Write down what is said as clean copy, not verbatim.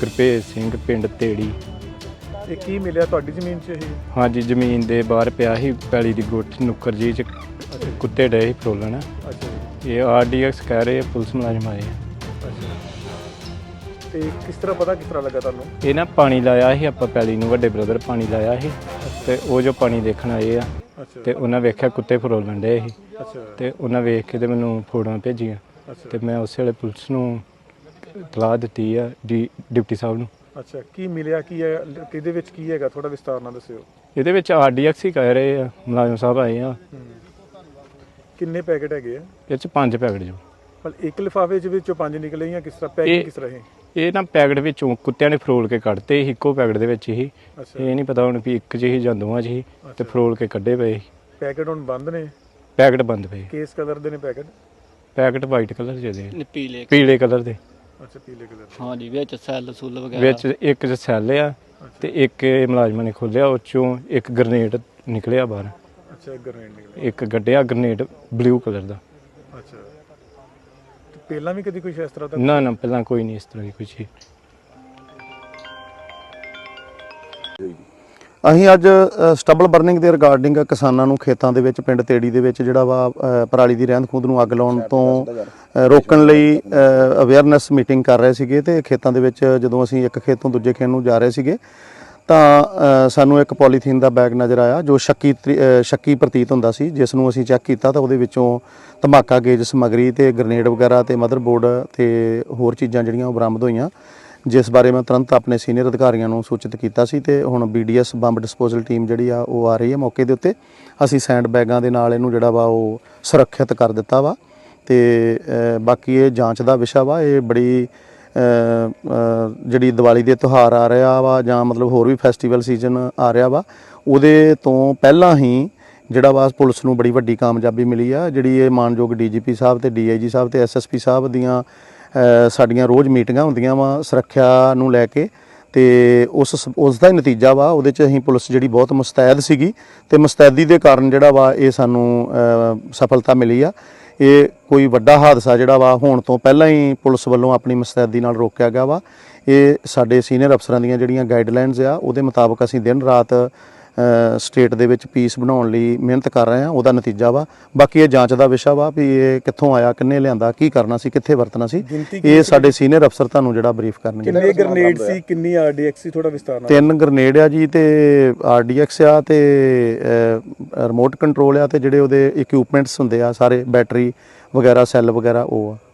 ਗੁਰਭੇਜ ਸਿੰਘ ਪਿੰਡ ਤੇੜੀ। ਇਹ ਕੀ ਮਿਲਿਆ ਤੁਹਾਡੀ ਜ਼ਮੀਨ 'ਚ ਇਹ? ਹਾਂਜੀ, ਜ਼ਮੀਨ ਦੇ ਬਾਹਰ ਪਿਆ ਸੀ ਪੈਲੀ ਦੀ ਗੁੱਠ ਨੁੱਕਰ ਜੀ 'ਚ ਕੁੱਤੇ ਡਏ ਸੀ ਫਰੋਲਣ। ਅੱਛਾ ਜੀ। ਇਹ RDX ਕਹਿ ਰਹੇ ਆ, ਪੁਲਿਸ ਮੁਲਾਜ਼ਮ ਆਏ ਆ। ਅੱਛਾ, ਤੇ ਕਿਸ ਤਰ੍ਹਾਂ ਲੱਗਾ ਤੁਹਾਨੂੰ? ਇਹ ਨਾ ਪਾਣੀ ਲਾਇਆ ਸੀ ਆਪਾਂ ਪੈਲੀ ਨੂੰ, ਵੱਡੇ ਬ੍ਰਦਰ ਪਾਣੀ ਲਾਇਆ ਸੀ ਤੇ ਉਹ ਜੋ ਪਾਣੀ ਦੇਖਣ ਆਏ ਆ ਤੇ ਉਹਨਾਂ ਵੇਖਿਆ ਕੁੱਤੇ ਫਰੋਲਣ ਡਏ ਸੀ। ਅੱਛਾ, ਤੇ ਉਹਨਾਂ ਵੇਖ ਕੇ ਤੇ ਮੈਨੂੰ ਫੋਟੋਆਂ ਭੇਜੀਆਂ ਤੇ ਮੈਂ ਉਸੇ ਵੇਲੇ ਪੁਲਿਸ ਨੂੰ ਇਤਲਾਹ ਦਿੱਤੀ ਆ ਡਿਪਟੀ ਸਾਹਿਬ ਨੂੰ। ਅੱਛਾ, ਕੀ ਮਿਲਿਆ, ਕੀ ਹੈ, ਕਿਹਦੇ ਵਿੱਚ ਕੀ ਹੈਗਾ, ਥੋੜਾ ਵਿਸਤਾਰ ਨਾਲ ਦੱਸਿਓ। ਇਹਦੇ ਵਿੱਚ RDX ਹੀ ਕਹਿ ਰਹੇ ਆ, ਮੁਲਾਜ਼ਮ ਸਾਹਿਬ ਆਏ ਆ। ਕਿੰਨੇ ਪੈਕੇਟ ਹੈਗੇ ਆ? ਇਹ 'ਚ 5 ਪੈਕਟ ਜੋ। ਪਰ ਇੱਕ ਲਿਫਾਫੇ ਦੇ ਵਿੱਚੋਂ 5 ਨਿਕਲੇ ਜਾਂ ਕਿਸ ਤਰ੍ਹਾਂ ਪੈਕੇਟ ਕਿਸ ਤਰ੍ਹਾਂ ਹੈ? ਇਹ ਨਾ ਪੈਕਟ ਵਿੱਚੋਂ ਕੁੱਤਿਆਂ ਨੇ ਫਰੋਲ ਕੇ ਕੱਢਤੇ ਸੀ, ਇੱਕੋ ਪੈਕਟ ਦੇ ਵਿੱਚ ਹੀ। ਇਹ ਨਹੀਂ ਪਤਾ ਹੁਣ ਵੀ ਇੱਕ 'ਚ ਹੀ ਜਾਂ ਦੋਵਾਂ 'ਚ ਹੀ ਤੇ ਫਰੋਲ ਕੇ ਕੱਢੇ ਪਏ। ਪੈਕੇਟ ਹੁਣ ਬੰਦ ਨੇ? ਪੈਕਟ ਬੰਦ ਪਏ। ਕਿਸ ਕਲਰ ਦੇ ਨੇ ਪੈਕਟ? ਪੈਕਟ ਵਾਈਟ ਕਲਰ ਦੇ, ਪੀਲੇ ਕਲਰ ਦੇ। ਅੱਛਾ, ਪੀਲੇ ਕਲਰ ਦੇ। ਹਾਂਜੀ, ਵਿੱਚ ਸੈੱਲ ਸੁੱਲ ਵਗੈਰਾ ਵਿੱਚ ਇੱਕ 'ਚ ਸੈੱਲ ਆ ਤੇ ਇੱਕ ਮੁਲਾਜ਼ਮਾਂ ਨੇ ਖੋਲਿਆ, ਉਹ 'ਚੋਂ ਇੱਕ ਗ੍ਰਨੇਡ ਨਿਕਲਿਆ ਬਾਹਰ। ਅੱਛਾ, ਗ੍ਰਨੇਡ ਨਿਕਲਿਆ। ਇੱਕ ਗੱਡਿਆ ਗ੍ਰਨੇਡ ਬਲੂ ਕਲਰ ਦਾ। ਅੱਛਾ, ਤੇ ਪਹਿਲਾਂ ਵੀ ਕਦੀ ਕੁਝ ਇਸ ਤਰ੍ਹਾਂ ਦਾ? ਨਾ ਪਹਿਲਾਂ ਕੋਈ ਨਹੀਂ ਇਸ ਤਰ੍ਹਾਂ ਦੀ ਕੋਈ ਚੀਜ਼। ਅਸੀਂ ਅੱਜ ਸਟਬਲ ਬਰਨਿੰਗ ਦੇ ਰਿਗਾਰਡਿੰਗ ਕਿਸਾਨਾਂ ਨੂੰ ਖੇਤਾਂ ਦੇ ਵਿੱਚ ਪਿੰਡ ਤੇੜੀ ਦੇ ਵਿੱਚ ਜਿਹੜਾ ਵਾ ਪਰਾਲੀ ਦੀ ਰਹਿੰਦ ਖੂੰਹਦ ਨੂੰ ਅੱਗ ਲਾਉਣ ਤੋਂ ਰੋਕਣ ਲਈ ਅਵੇਅਰਨੈਸ ਮੀਟਿੰਗ ਕਰ ਰਹੇ ਸੀਗੇ। ਤੇ ਖੇਤਾਂ ਦੇ ਵਿੱਚ ਜਦੋਂ ਅਸੀਂ ਇੱਕ ਖੇਤ ਤੋਂ ਦੂਜੇ ਖੇਤ ਨੂੰ ਜਾ ਰਹੇ ਸੀਗੇ ਤਾਂ ਸਾਨੂੰ ਇੱਕ ਪੋਲੀਥੀਨ ਦਾ ਬੈਗ ਨਜ਼ਰ ਆਇਆ ਜੋ ਸ਼ੱਕੀ ਪ੍ਰਤੀਤ ਹੁੰਦਾ ਸੀ, ਜਿਸ ਨੂੰ ਅਸੀਂ ਚੈੱਕ ਕੀਤਾ ਤਾਂ ਉਹਦੇ ਵਿੱਚੋਂ ਧਮਾਕਾ ਗੇਜ ਸਮੱਗਰੀ ਤੇ ਗ੍ਰਨੇਡ ਵਗੈਰਾ ਤੇ ਮਦਰਬੋਰਡ ਤੇ ਹੋਰ ਚੀਜ਼ਾਂ ਜਿਹੜੀਆਂ ਉਹ ਬਰਾਮਦ ਹੋਈਆਂ, ਜਿਸ ਬਾਰੇ ਮੈਂ ਤੁਰੰਤ ਆਪਣੇ ਸੀਨੀਅਰ ਅਧਿਕਾਰੀਆਂ ਨੂੰ ਸੂਚਿਤ ਕੀਤਾ ਸੀ। ਤੇ ਹੁਣ BDS ਬੰਬ ਡਿਸਪੋਜ਼ਲ ਟੀਮ ਜਿਹੜੀ ਆ ਉਹ ਆ ਰਹੀ ਹੈ ਮੌਕੇ ਦੇ ਉੱਤੇ। ਅਸੀਂ ਸੈਂਡ ਬੈਗਾਂ ਦੇ ਨਾਲ ਇਹਨੂੰ ਜਿਹੜਾ ਵਾ ਉਹ ਸੁਰੱਖਿਅਤ ਕਰ ਦਿੱਤਾ ਵਾ ਤੇ ਬਾਕੀ ਇਹ ਜਾਂਚ ਦਾ ਵਿਸ਼ਾ ਵਾ। ਇਹ ਬੜੀ ਜਿਹੜੀ ਦੀਵਾਲੀ ਦੇ ਤਿਉਹਾਰ ਆ ਰਿਹਾ ਵਾ ਜਾਂ ਮਤਲਬ ਹੋਰ ਵੀ ਫੈਸਟੀਵਲ ਸੀਜ਼ਨ ਆ ਰਿਹਾ ਵਾ, ਉਹਦੇ ਤੋਂ ਪਹਿਲਾਂ ਹੀ ਜਿਹੜਾ ਵਾ ਪੁਲਿਸ ਨੂੰ ਬੜੀ ਵੱਡੀ ਕਾਮਯਾਬੀ ਮਿਲੀ ਆ। ਜਿਹੜੀ ਇਹ ਮਾਨਯੋਗ DGP ਸਾਹਿਬ ਤੇ DIG ਸਾਹਿਬ ਤੇ SSP ਸਾਹਿਬ ਦੀਆਂ ਸਾਡੀਆਂ ਰੋਜ਼ ਮੀਟਿੰਗਾਂ ਹੁੰਦੀਆਂ ਵਾ ਸੁਰੱਖਿਆ ਨੂੰ ਲੈ ਕੇ, ਤੇ ਉਸ ਦਾ ਹੀ ਨਤੀਜਾ ਵਾ। ਉਹਦੇ 'ਚ ਅਸੀਂ ਪੁਲਿਸ ਜਿਹੜੀ ਬਹੁਤ ਮੁਸਤੈਦ ਸੀਗੀ ਤੇ ਮੁਸਤੈਦੀ ਦੇ ਕਾਰਨ ਜਿਹੜਾ ਵਾ ਇਹ ਸਾਨੂੰ ਸਫਲਤਾ ਮਿਲੀ ਆ। ਇਹ ਕੋਈ ਵੱਡਾ ਹਾਦਸਾ ਜਿਹੜਾ ਵਾ ਹੋਣ ਤੋਂ ਪਹਿਲਾਂ ਹੀ ਪੁਲਿਸ ਵੱਲੋਂ ਆਪਣੀ ਮੁਸਤੈਦੀ ਨਾਲ ਰੋਕਿਆ ਗਿਆ ਵਾ। ਇਹ ਸਾਡੇ ਸੀਨੀਅਰ ਅਫਸਰਾਂ ਦੀਆਂ ਜਿਹੜੀਆਂ ਗਾਈਡਲਾਈਨਸ ਆ ਉਹਦੇ ਮੁਤਾਬਕ ਅਸੀਂ ਦਿਨ ਰਾਤ ਸਟੇਟ ਦੇ ਵਿੱਚ ਪੀਸ ਬਣਾਉਣ ਲਈ ਮਿਹਨਤ ਕਰ ਰਹੇ ਹਾਂ, ਉਹਦਾ ਨਤੀਜਾ ਵਾ। ਬਾਕੀ ਇਹ ਜਾਂਚ ਦਾ ਵਿਸ਼ਾ ਵਾ ਵੀ ਇਹ ਕਿੱਥੋਂ ਆਇਆ, ਕਿੰਨੇ ਲਿਆਂਦਾ, ਕੀ ਕਰਨਾ ਸੀ, ਕਿੱਥੇ ਵਰਤਣਾ ਸੀ, ਇਹ ਸਾਡੇ ਸੀਨੀਅਰ ਅਫਸਰ ਤੁਹਾਨੂੰ ਜਿਹੜਾ ਬਰੀਫ ਕਰਨਗੇ। ਕਿੰਨੇ ਗ੍ਰਨੇਡ ਸੀ, ਕਿੰਨੀ RDX ਸੀ, ਥੋੜਾ ਵਿਸਤਾਰ ਨਾਲ? 3 ਗ੍ਰਨੇਡ ਆ ਜੀ ਤੇ RDX ਆ ਤੇ ਰਿਮੋਟ ਕੰਟਰੋਲ ਆ ਤੇ ਜਿਹੜੇ ਉਹਦੇ ਇਕਵਿਪਮੈਂਟਸ ਹੁੰਦੇ ਆ ਸਾਰੇ ਬੈਟਰੀ ਵਗੈਰਾ ਸੈੱਲ ਵਗੈਰਾ ਉਹ ਆ।